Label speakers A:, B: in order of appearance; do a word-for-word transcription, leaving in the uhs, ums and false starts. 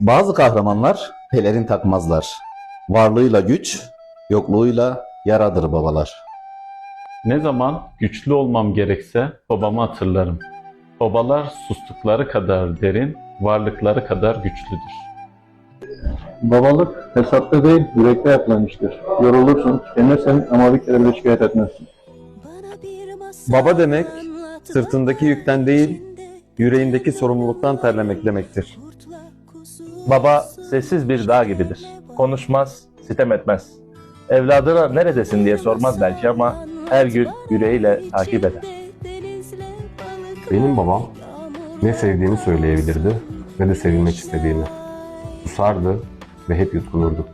A: Bazı kahramanlar pelerin takmazlar. Varlığıyla güç, yokluğuyla yaradır babalar.
B: Ne zaman güçlü olmam gerekse babamı hatırlarım. Babalar sustukları kadar derin, varlıkları kadar güçlüdür.
C: Babalık hesapta değil, yürekte yapılan iştir. Yorulursun, tükenirsin ama bir kere bile şikayet etmezsin.
D: Baba demek, sırtındaki yükten değil, yüreğindeki sorumluluktan terlemek demektir.
E: Baba sessiz bir dağ gibidir. Konuşmaz, sitem etmez. Evladına neredesin diye sormaz belki ama her gün yüreğiyle takip eder.
F: Benim babam ne sevdiğini söyleyebilirdi ne de sevilmek istediğini. Susardı ve hep yutkunurdu.